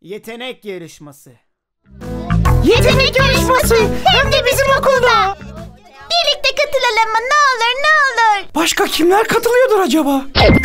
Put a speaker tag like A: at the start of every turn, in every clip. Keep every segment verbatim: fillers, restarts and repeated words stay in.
A: Yetenek yarışması.
B: Yetenek yarışması hem de bizim okulda. Birlikte katılalım mı? Ne olur ne olur.
C: Başka kimler katılıyordur acaba?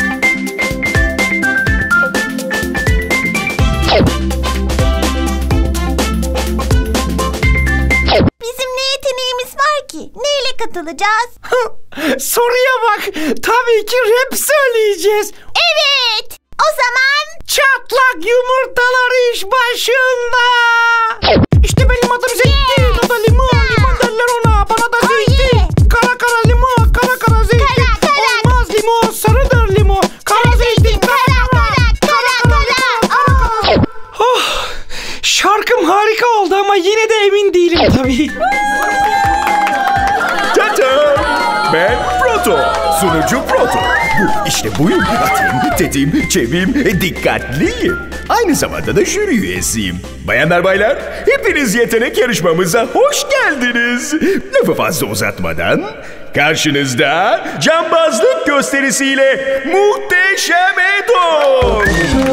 B: Bizim ne yeteneğimiz var ki? Neyle katılacağız?
C: Soruya bak. Tabii ki rap söyleyeceğiz.
B: Evet. O zaman
C: çatlak yumurtalar iş başında. İşte benim adım Zeytin. O da limon. Limon derler ona. Bana da zeytin. Kara kara limon. Kara kara zeytin.
B: Kara, kara.
C: Olmaz limon. Sarıdır limon. Kara zeytin. Kara kara.
B: Kara kara.
C: Oh, şarkım harika oldu ama yine de emin değilim tabii.
D: Tata! Ben Proto. Sunucu Proto. Bu işte buyum. Atayım, tetiğim, çeviyim, dikkatliyim. Aynı zamanda da jüri üyesiyim. Bayanlar baylar, hepiniz yetenek yarışmamıza hoş geldiniz. Lafı fazla uzatmadan karşınızda cambazlık gösterisiyle muhteşem Edo.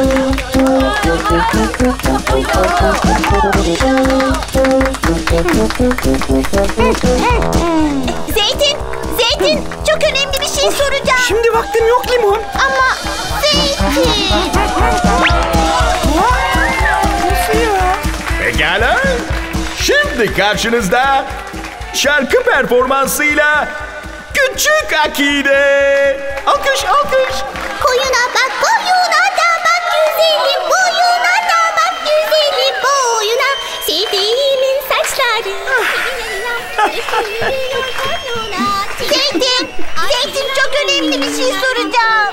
B: Zeytin, Zeytin çok önemli bir şey soracağım.
C: Şimdi vaktim yok limon.
B: Ama Zeytin.
C: Nasıl ya?
D: Pekala. Şimdi karşınızda şarkı performansıyla Küçük Akide. Alkış, alkış.
B: Koyuna bak, koyuna da bak güzelim, boyuna da bak güzelim, boyuna. Sevdiğimin saçları. Zeytin, Zeytin çok önemli bir şey soracağım.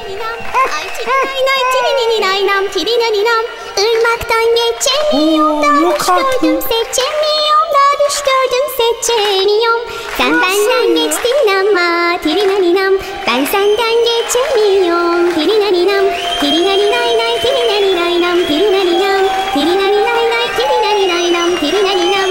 B: Irmaktan geçemiyorum,
C: Oo,
B: da düş gördüm seçemiyorum, da düş gördüm seçemiyorum. Sen benden geçtin ama tirinaninam, ben senden geçemiyorum. Tirinaninam, tirinaninay, tirinaninam, tirinaninam, tirinaninay, tirinaninam, tirinaninam.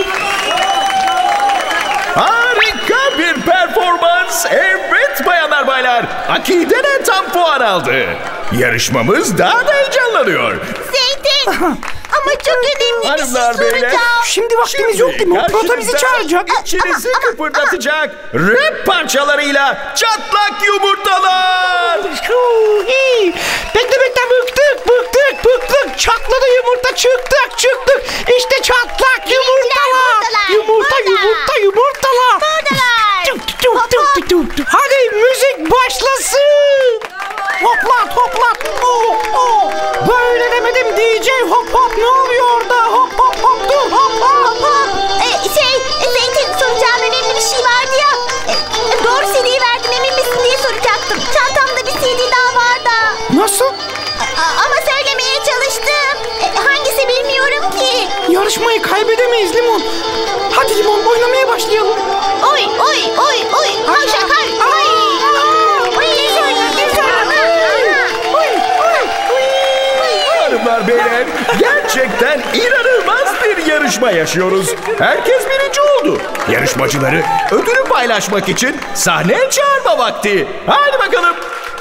D: Harika bir performans. Evet bayanlar baylar. Akide de tam puan aldı. Yarışmamız daha da heyecanlanıyor.
B: Zeytin, ama çok önemli bir
D: Hanımlar,
B: şey
D: beyler.
B: soracağım.
C: Şimdi vaktimiz yok değil mi? Proto bizi çağıracak.
D: İçinizi kıpırdatacak rap parçalarıyla çatlak yumurtalar.
C: Huu, iyi. Bekle bekle bıktık bıktık bıktık. Çatladı yumurta çıktık çıktık. İşte çatlak yumurtalar.
B: buradalar,
C: Yumurta
B: burada.
C: yumurta yumurtalar.
B: Buradalar.
C: Tuk, tuk, tuk, tuk, tuk, tuk. Hadi müzik başlasın. Hoplat hoplat. Oh, oh. Böyle demedim D J hop hop ne oluyor orada? Hop hop hop dur hop hop.
B: Hop, e, şey, e, Zeytin soracağım önemli bir şey vardı ya. E, e, doğru C D'yi verdim emin misin diye soracaktım. Çantamda bir C D daha var da.
C: Nasıl?
B: A- a- ama söylemeye çalıştım. E, hangisi bilmiyorum ki.
C: Yarışmayı kaybedemeyiz Limon. Hadi Limon oynamaya başlayalım.
B: Oy oy oy oy. Hayşak hay. Oy. Oy.
D: Hanımlar beyler, gerçekten inanılmaz bir yarışma yaşıyoruz. Herkes birinci oldu. Yarışmacıları ödülü paylaşmak için sahneye çağırma vakti. Hadi bakalım.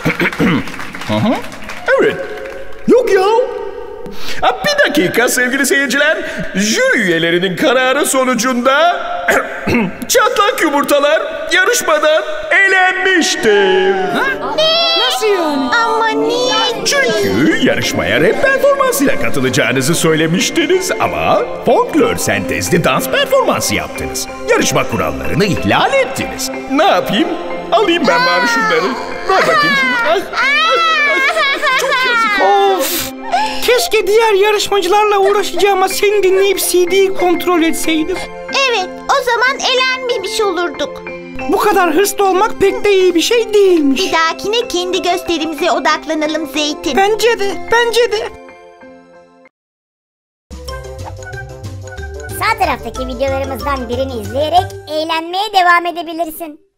D: Evet. Yok ya. Ha, bir dakika sevgili seyirciler. Jüri üyelerinin kararı sonucunda çatlak yumurtalar yarışmadan elenmiştir.
C: Nasıl yani?
B: Ama niye?
D: Çünkü yarışmaya rap performansıyla katılacağınızı söylemiştiniz ama folklor sentezli dans performansı yaptınız. Yarışma kurallarını ihlal ettiniz. Ne yapayım? Alayım ben bari şunları. Ver bakayım şunu. Ah, ah, ah. Çok yazık.
C: Of! Keşke diğer yarışmacılarla uğraşacağıma seni dinleyip C D'yi kontrol etseydim.
B: Evet, o zaman elenmemiş olurduk.
C: Bu kadar hırslı olmak pek de iyi bir şey değilmiş.
B: Bir dahakine kendi gösterimize odaklanalım Zeytin.
C: Bence de, bence de.
E: Sağ taraftaki videolarımızdan birini izleyerek eğlenmeye devam edebilirsin.